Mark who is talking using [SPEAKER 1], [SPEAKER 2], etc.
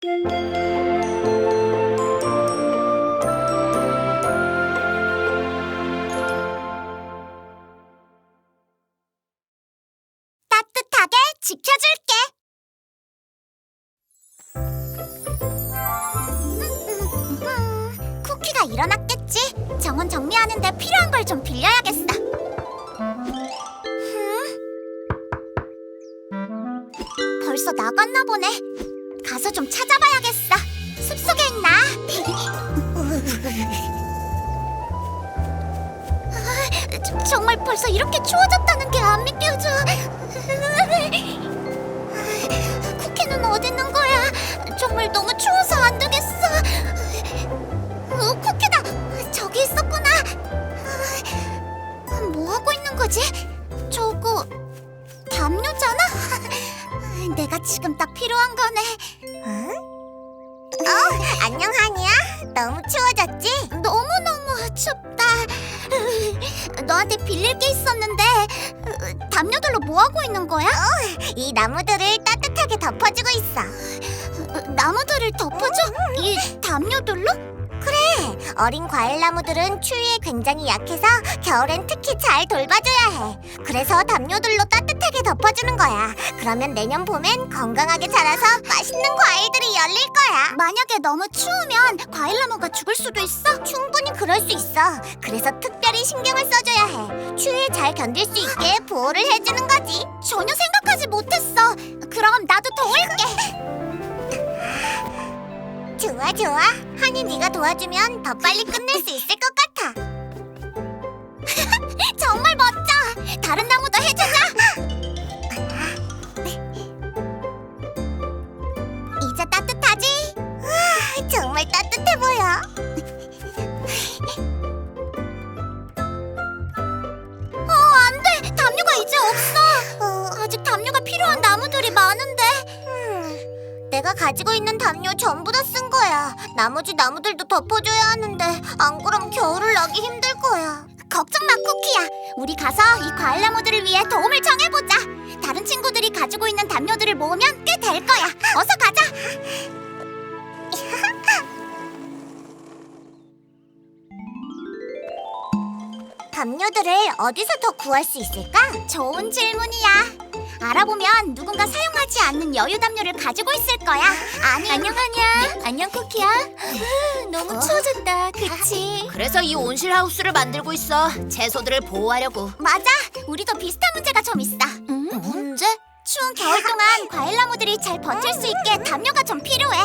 [SPEAKER 1] 따뜻하게 지켜줄게. 쿠키가 일어났겠지? 정원 정리하는데 필요한 걸 좀 빌려야겠어. 벌써 나갔나 보네. 가서 좀 찾아봐야겠어. 숲속에 있나? 정말 벌써 이렇게 추워졌다는 게 안 믿겨져. 쿠키는 어디 있는 거야? 정말 너무 추워서 안 되겠어. 쿠키다! 저기 있었구나. 뭐 하고 있는 거지? 저거 담요잖아? 내가 지금 딱 필요한 거네. 안녕 하니야. 너무 추워졌지? 너무너무 춥다. 너한테 빌릴 게 있었는데 담요들로 뭐 하고 있는 거야? 이 나무들을 따뜻하게 덮어주고 있어. 나무들을 덮어줘? 이 담요들로? 그래, 어린 과일 나무들은 추위에 굉장히 약해서 겨울엔 특히 잘 돌봐줘야 해. 그래서 담요들로 따뜻하게 덮어주는 거야. 그러면 내년 봄엔 건강하게 자라서 맛있는 과일들이 열릴 거야. 만약에 너무 추우면 과일 나무가 죽을 수도 있어? 충분히 그럴 수 있어. 그래서 특별히 신경을 써줘야 해. 추위에 잘 견딜 수 있게 보호를 해주는 거지. 전혀 생각하지 못했어. 그럼 나도 도울게. 좋아 좋아. 하니 네가 도와주면 더 빨리 끝낼 수 있을 것 같아. 정말 멋져. 다른 나무도 해주자. 이제 따뜻하지? 정말 따뜻해 보여. 안돼. 담요가 이제 없어. 아직 담요가 필요한 나무들이 많은데. 내가 가지고 있는 담요 전부 다 쓴 거야. 나머지 나무들도 덮어줘야 하는데 안 그럼 겨울을 나기 힘들 거야. 걱정 마, 쿠키야. 우리 가서 이 과일 나무들을 위해 도움을 청해보자. 다른 친구들이 가지고 있는 담요들을 모으면 꽤 될 거야. 어서 가자. 담요들을 어디서 더 구할 수 있을까? 좋은 질문이야. 알아보면 누군가 사용하지 않는 여유 담요를 가지고 있을 거야. 안녕 하냐? 안녕 쿠키야. 너무 추워졌다, 그치?
[SPEAKER 2] 그래서 이 온실 하우스를 만들고 있어. 채소들을 보호하려고.
[SPEAKER 1] 맞아. 우리도 비슷한 문제가 좀 있어.
[SPEAKER 2] 문제?
[SPEAKER 1] 추운 겨울 동안 과일 나무들이 잘 버틸 수 있게 담요가 좀